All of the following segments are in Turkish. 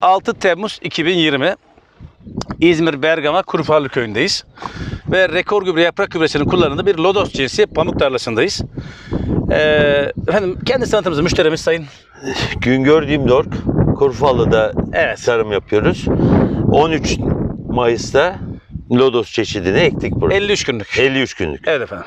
6 Temmuz 2020 İzmir Bergama Kurufarlı köyündeyiz. Ve rekor gübre yaprak gübresinin kullanıldığı bir lodos cinsi pamuk tarlasındayız. Efendim kendisi tanıtımızı müşterimiz Sayın Güngör Dimdork, Kurufalı'da tarım yapıyoruz. 13 Mayıs'ta lodos çeşidini ektik burada. 53 günlük. 53 günlük. Evet efendim.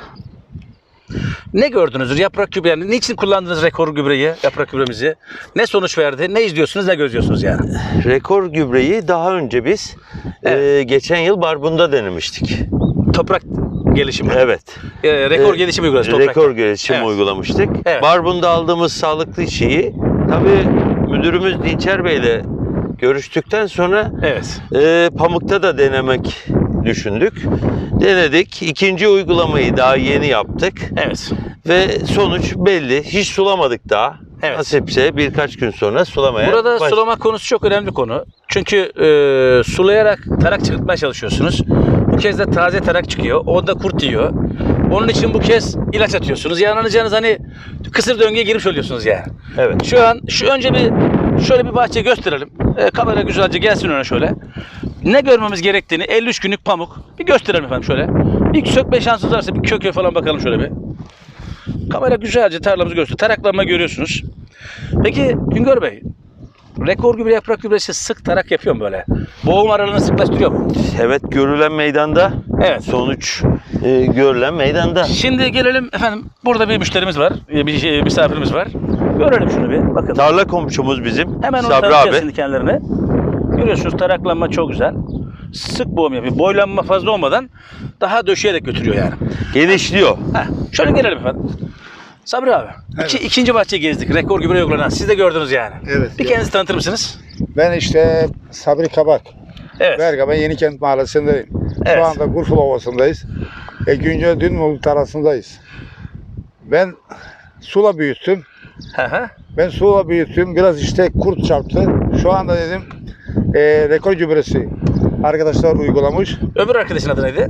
Ne gördünüz? Yaprak gübre yani niçin kullandınız rekor gübreyi, yaprak gübremizi? Ne sonuç verdi? Ne izliyorsunuz, ne gözlüyorsunuz yani? Rekor gübreyi daha önce biz geçen yıl Barbun'da denemiştik. Toprak gelişimi. Evet. Rekor gelişimi uyguladık. Rekor gelişimi uygulamıştık. Evet. Barbun'da aldığımız sağlıklı şeyi tabii müdürümüz Dinçer Bey'le görüştükten sonra pamukta da denemek düşündük. Denedik. İkinci uygulamayı daha yeni yaptık. Evet. Ve sonuç belli. Hiç sulamadık daha. Evet. Nasipse birkaç gün sonra sulamaya Burada sulama konusu çok önemli konu. Çünkü sulayarak tarak çıkartmaya çalışıyorsunuz. Bu kez de taze tarak çıkıyor. O da kurt yiyor. Onun için bu kez ilaç atıyorsunuz. Yani anlayacağınız hani kısır döngüye girmiş oluyorsunuz yani. Evet. Şu an önce şöyle bir bahçe gösterelim. Kamera güzelce gelsin öne şöyle. Ne görmemiz gerektiğini 53 günlük pamuk bir gösterelim efendim şöyle. Bir sökme şansınız varsa bir köküye falan bakalım şöyle bir. Kamera güzelce tarlamızı gösteriyor. Taraklanma görüyorsunuz. Peki Güngör Bey, rekor gübre yaprak gübresi sık tarak yapıyor mu böyle? Boğum aralığını sıklaştırıyor mu? Evet, görülen meydanda. Evet. Sonuç görülen meydanda. Şimdi gelelim efendim. Burada bir müşterimiz var. Bir misafirimiz var. Görelim şunu bir. Bakın. Tarla komşumuz bizim. Hemen onu Sabri tanıtacağız abi. şimdi kendilerine. Görüyorsunuz taraklanma çok güzel. Sık boğum yapıyor. Boylanma fazla olmadan daha döşeyerek götürüyor yani. Genişliyor. Şöyle gelelim efendim. Sabri abi. Evet. İkinci bahçeyi gezdik. Rekor gübre uygulanan. Siz de gördünüz yani. Evet. Bir kendinizi tanıtır mısınız? Ben işte Sabri Kabak. Evet. Bergama Yenikent Mahallesi'ndeyim. Evet. Şu anda Gurful Ovası'ndayız. Güncel Dünmolu tarlasındayız. Ben sula büyüttüm. Biraz işte kurt çarptı. Şu anda dedim rekor gübresi arkadaşlar uygulamış. Öbür arkadaşın adı neydi?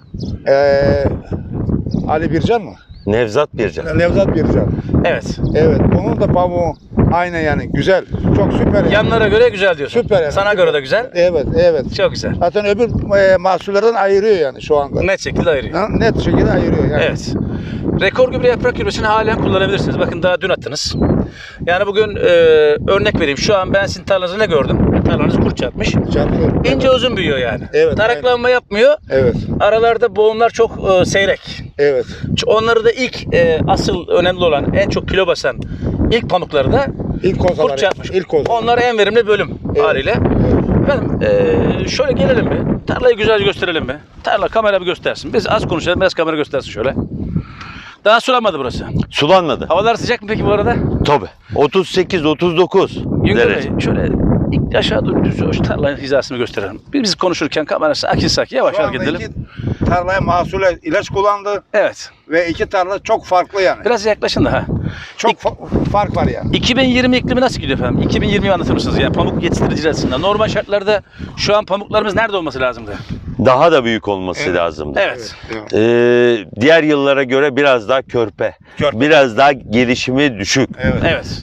Ali Bircan mı? Nevzat Bircan. Nevzat Bircan. Evet. Evet. Onun da pamuğu aynen yani güzel. Çok süper. Yani. Yanlara göre güzel diyorsun. Süper yani. Sana göre de güzel. Evet. Çok güzel. Zaten öbür mahsullerden ayırıyor yani şu anda. Net şekilde ayırıyor. Net şekilde ayırıyor yani. Evet. Rekor gübre yaprak gübresini halen kullanabilirsiniz. Bakın daha dün attınız. Yani bugün örnek vereyim. Şu an ben sizin tarlanızı ne gördüm? Tarlanız kurt çatmış. Çarpıyor. İnce uzun büyüyor yani. Evet, Taraklanma yapmıyor. Evet. Aralarda boğumlar çok seyrek. Evet. Onları da ilk asıl önemli olan en çok kilo basan ilk pamukları da kurt çatmış. Onlar en verimli bölüm haliyle. Evet. Efendim şöyle gelelim mi? Tarlayı güzelce gösterelim mi? Tarla kamera bir göstersin. Biz az konuşalım, biraz kamera göstersin şöyle. Daha sulanmadı burası. Sulanmadı. Havalar sıcak mı peki bu arada? Tabii. 38-39 Güngör Bey derece. şöyle ilk aşağı doğru düz şu tarlanın hizasını gösterelim. Biz konuşurken kamera sakin yavaş Şu hareket anda edelim. iki tarlaya mahsule ilaç kullandı Evet. ve iki tarla çok farklı yani. Biraz yaklaşın da ha. Çok fark var yani. 2020 iklimi nasıl gidiyor efendim? 2020'yi anlatır mısınız? Yani pamuk yetiştiriciler açısından. Normal şartlarda şu an pamuklarımız nerede olması lazımdı? Daha da büyük olması lazımdı. Evet. Diğer yıllara göre biraz daha körpe. Biraz daha gelişimi düşük. Evet.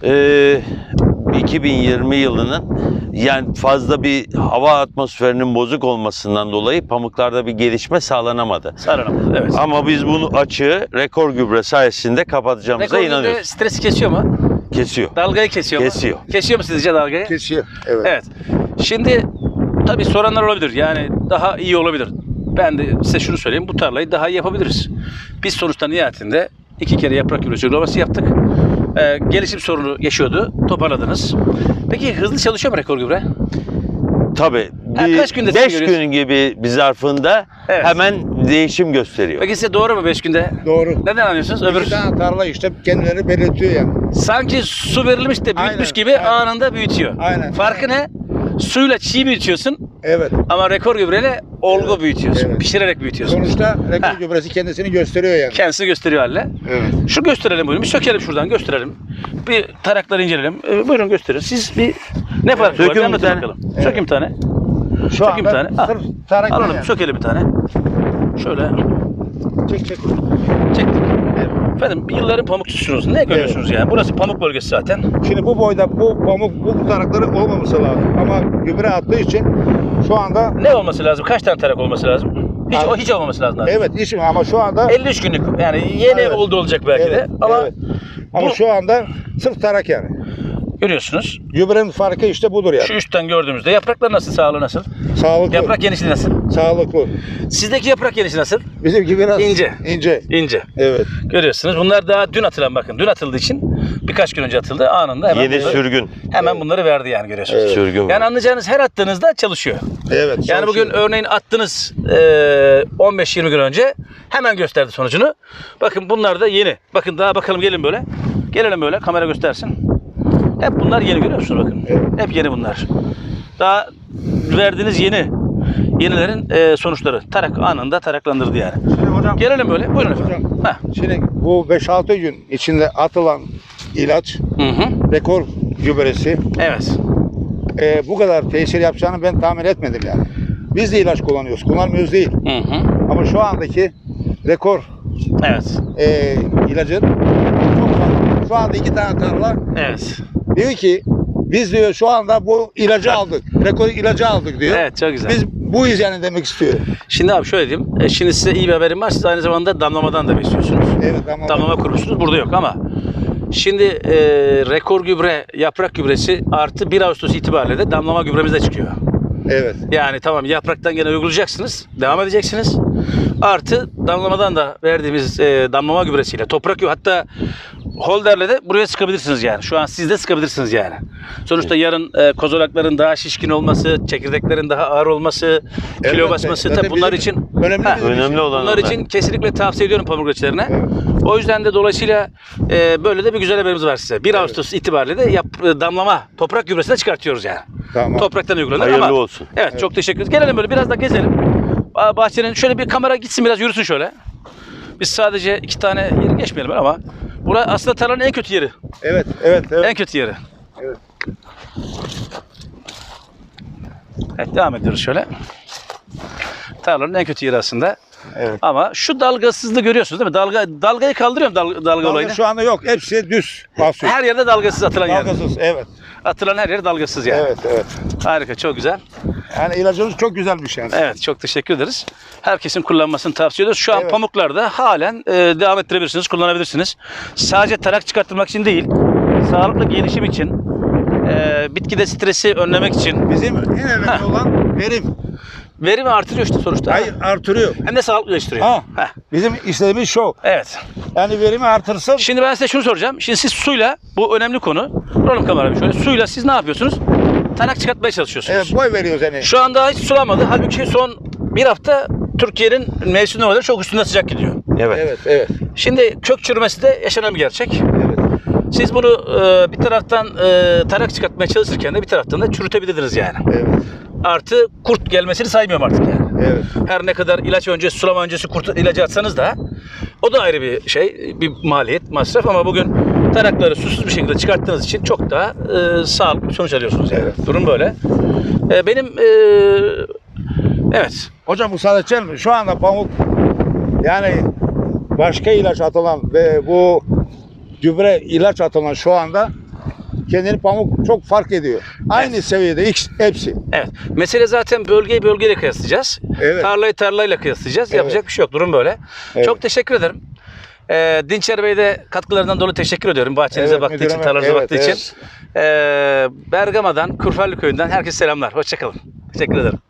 2020 yılının yani fazla bir hava atmosferinin bozuk olmasından dolayı pamuklarda bir gelişme sağlanamadı. Sağlanamadı. Evet. Ama biz bunu açığı rekor gübre sayesinde kapatacağımıza Rekor gübre inanıyoruz. stresi kesiyor mu? Kesiyor. Dalgayı kesiyor mu? Kesiyor. Kesiyor mu sizce dalgayı? Kesiyor. Evet. Evet. Şimdi tabii soranlar olabilir. Yani daha iyi olabilir. Ben de size şunu söyleyeyim. Bu tarlayı daha iyi yapabiliriz. Biz sonuçta nihayetinde 2 kere yaprak gübresi uygulaması yaptık. Gelişim sorunu yaşıyordu. Toparladınız. Peki hızlı çalışıyor mu rekor gübre? Tabii. Kaç günde 5 gün gibi bir zarfında hemen değişim gösteriyor. Peki size doğru mu 5 günde? Doğru. Neden anlıyorsunuz? İki tane tarla işte kendilerini belirtiyor yani. Sanki su verilmiş de büyütmüş gibi anında büyütüyor. Aynen. Farkı ne? Suyla çiğ büyütüyorsun Evet. ama rekor gübreyle olgu büyütüyorsun. Evet. Pişirerek büyütüyorsun. Sonuçta rekor gübresi kendisini gösteriyor yani. Kendisi gösteriyor halle. Evet. Şu gösterelim buyurun. Bir sökelim şuradan gösterelim. Bir tarakları inceleyelim. Buyurun gösterin. Siz bir ne farkı var? Bir anlatın bakalım. Evet. Sökeyim bir tane. Şu Sökeyim bir tane. anda sırf tarak Alalım. yani. Sökelim bir tane. Şöyle. Çek. Çektik. Efendim yılların pamukçusunuz. Ne görüyorsunuz yani? Burası pamuk bölgesi zaten. Şimdi bu boyda bu pamuk bu tarakları olmaması lazım. Ama gübre attığı için şu anda Ne olması lazım? Kaç tane tarak olması lazım? Hiç, Abi- hiç olmaması lazım. Abi. evet işim ama şu anda 53 günlük yani yeni Evet. oldu olacak belki de Evet, ama evet. Ama bu- şu anda sırf tarak yani. görüyorsunuz. Gübrenin farkı işte budur yani. Şu üstten gördüğümüzde yapraklar nasıl? Sağlığı nasıl? Sağlıklı. Yaprak genişliği nasıl? Sağlıklı. Sizdeki yaprak genişliği nasıl? Bizimki biraz İnce. İnce. İnce. Evet. Görüyorsunuz. Bunlar daha dün atılan bakın. Dün atıldığı için birkaç gün önce atıldı. Anında hemen Yeni bunları, sürgün. hemen bunları verdi yani görüyorsunuz. Evet. Sürgün var. Yani anlayacağınız her attığınızda çalışıyor. Evet. Yani bugün çalışıyor. örneğin attınız 15-20 gün önce hemen gösterdi sonucunu. Bakın bunlar da yeni. Bakın daha bakalım gelin böyle. Gelelim böyle kamera göstersin. Hep bunlar yeni görüyor musunuz bakın. Evet. Hep yeni bunlar. Daha verdiğiniz yenilerin sonuçları. Tarak anında taraklandırdı yani. Şimdi hocam, Gelelim böyle. Buyurun efendim. hocam Heh. şimdi bu 5-6 gün içinde atılan ilaç Hı hı. rekor gübresi Evet. bu kadar tesir yapacağını ben tahmin etmedim yani. Biz de ilaç kullanıyoruz. Kullanmıyoruz değil. Hı hı. Ama şu andaki rekor Evet. ilacın çok fazla. Şu anda 2 tane tarla Evet. diyor ki biz diyor şu anda bu ilacı aldık. Rekor ilacı aldık diyor. Evet çok güzel. Biz buyuz yani demek istiyor. Şimdi abi şöyle diyeyim. Şimdi size iyi bir haberim var. Siz aynı zamanda damlamadan da besliyorsunuz. Evet ama Damlama kurmuşsunuz. Burada yok ama şimdi rekor gübre, yaprak gübresi artı 1 Ağustos itibariyle de damlama gübremiz de çıkıyor. evet. Yani tamam yapraktan gene uygulayacaksınız. Devam edeceksiniz. Artı damlamadan da verdiğimiz damlama gübresiyle toprak hatta holderle de buraya sıkabilirsiniz yani. Şu an siz de sıkabilirsiniz yani. Sonuçta yarın kozolakların daha şişkin olması, çekirdeklerin daha ağır olması, kilo Elbette. basması Zaten tabii bunlar bizim için önemli Ha, bizim Önemli olan bunlar onlar. için kesinlikle tavsiye ediyorum pamuk üreticilerine. Evet. O yüzden de dolayısıyla böyle de bir güzel haberimiz var size. 1 Ağustos itibariyle de damlama toprak gübresini çıkartıyoruz yani. Tamam. Topraktan uygulanır Hayırlı ama. olsun. Evet, çok teşekkür ederiz. Gelelim böyle biraz da gezelim. Bahçenin şöyle bir kamera gitsin biraz yürüsün şöyle. Biz sadece 2 tane yeri geçmeyelim ama burası aslında tarlanın en kötü yeri. Evet, evet, En evet. kötü yeri. Evet. Evet devam ediyoruz şöyle. Tarlanın en kötü yeri aslında. Evet. Ama şu dalgasızlığı görüyorsunuz değil mi? Dalgayı kaldırıyorum dalga Dalga olayını. şu anda yok. Hepsi düz basıyor. Her yerde dalgasız atılan yer. Dalgasız, evet. Atılan her yer dalgasız yani. Evet, evet. Harika, çok güzel. Yani ilacımız çok güzelmiş yani. Evet, çok teşekkür ederiz. Herkesin kullanmasını tavsiye ediyoruz. Şu an Evet. pamuklarda halen devam ettirebilirsiniz, kullanabilirsiniz. Sadece tarak çıkartmak için değil, sağlıklı gelişim için, bitkide stresi önlemek için, Bizim en önemli olan verim. verimi artırıyor işte sonuçta. Hayır, artırıyor. Hem de sağlıklılaştırıyor. Ha. Heh, Bizim istediğimiz şu. evet. Yani verimi artırsın. Şimdi ben size şunu soracağım. Şimdi siz suyla, bu önemli konu. Duralım kamerayı şöyle. Suyla siz ne yapıyorsunuz? Tarak çıkartmaya çalışıyorsunuz. Evet, boy veriyoruz yani. Şu anda hiç sulamadı. Halbuki son bir hafta Türkiye'nin mevsim normalleri çok üstünde sıcak gidiyor. Evet. Evet, evet. Şimdi kök çürümesi de yaşanan bir gerçek. Evet. Siz bunu bir taraftan tarak çıkartmaya çalışırken de bir taraftan da çürütebilirdiniz yani. Evet. Artı kurt gelmesini saymıyorum artık yani. Evet. Her ne kadar ilaç öncesi, sulama öncesi kurt ilacı atsanız da o da ayrı bir şey, bir maliyet, masraf ama bugün tarakları susuz bir şekilde çıkarttığınız için çok daha sağlıklı bir sonuç alıyorsunuz yani. Evet. Durum böyle. Benim evet. Hocam bu sadece mi? Şu anda pamuk yani başka ilaç atılan ve bu gübre ilaç atılan şu anda kendini pamuk çok fark ediyor. Aynı Evet. seviyede hepsi. Evet. Mesele zaten bölgeyi bölgeyle kıyaslayacağız. Evet. Tarlayı tarlayla kıyaslayacağız. Evet. Yapacak bir şey yok. Durum böyle. Evet. Çok teşekkür ederim. Dinçer Bey'e de katkılarından dolayı teşekkür ediyorum. Bahçenize Evet, baktığı için, müdürüme. tarlanıza Evet, baktığı evet. için. Bergama'dan, Kurfarlı Köyü'nden herkese selamlar. Hoşçakalın. Teşekkür ederim.